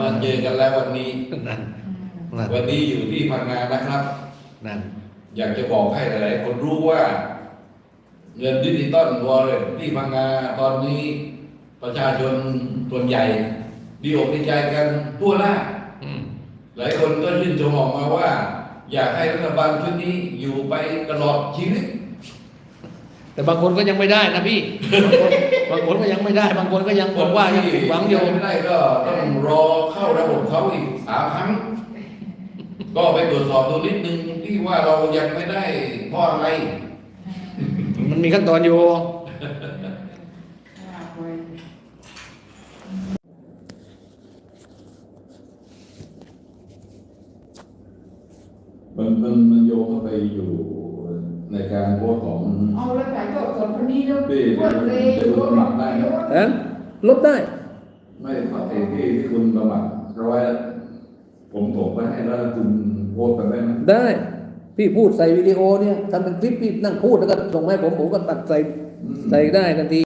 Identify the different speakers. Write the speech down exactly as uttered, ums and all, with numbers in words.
Speaker 1: มาเจอกันแล้ววันนี้
Speaker 2: นั่นนั่น
Speaker 1: วันนี้อยู่ที่พังงานะครับ
Speaker 2: นั่น
Speaker 1: อยากจะบอกให้หลายๆคนรู้ว่า เงินดิจิตอลวอลเล็ตที่พังงาตอนนี้ประชาชนส่วนใหญ่ดีอกดีใจกันทั่วหน้า
Speaker 2: อืม
Speaker 1: หลายคนก็ยื่นชมออกมาว่า อยากให้รัฐบาลชุดนี้อยู่ไปตลอดชีวิต
Speaker 2: แต่บางคนก็ยังไม่ได้นะพี่ บางคนบางคนก็ยังไม่ได้ บางคนก็ยังบอกว่ายังผิดหวังอยู่
Speaker 1: ไม่ได้ก็ต้องรอเข้าระบบเขาอีกสามครั้ง ก็ไปตรวจสอบดูนิดนึงที่ว่าเรายังไม่ได้เพราะอะไร
Speaker 2: มันมีขั้นตอนอยู่
Speaker 1: มันมันมันโยงเข้าไปอยู่ในการโพสต์ของ
Speaker 3: เอาแล้วถ่ายทอดสดคนนี้แล้ว
Speaker 1: พี่
Speaker 3: พูดเลย
Speaker 1: จะรู้หลักได้นะ
Speaker 2: เอ๊ะลบได้
Speaker 1: ไม่ปฏิที่ที่คุณประมาทร้อยผมส่งไปให้แล้วคุณโพสต์ไปได้ไหม
Speaker 2: ได้ พี่พูดใส่วิดีโอเนี่ยทำเป็นคลิปพี่นั่งพูดแล้วก็ส่งให้ผมผมก็ตัดใส่ใส่ได้ทันที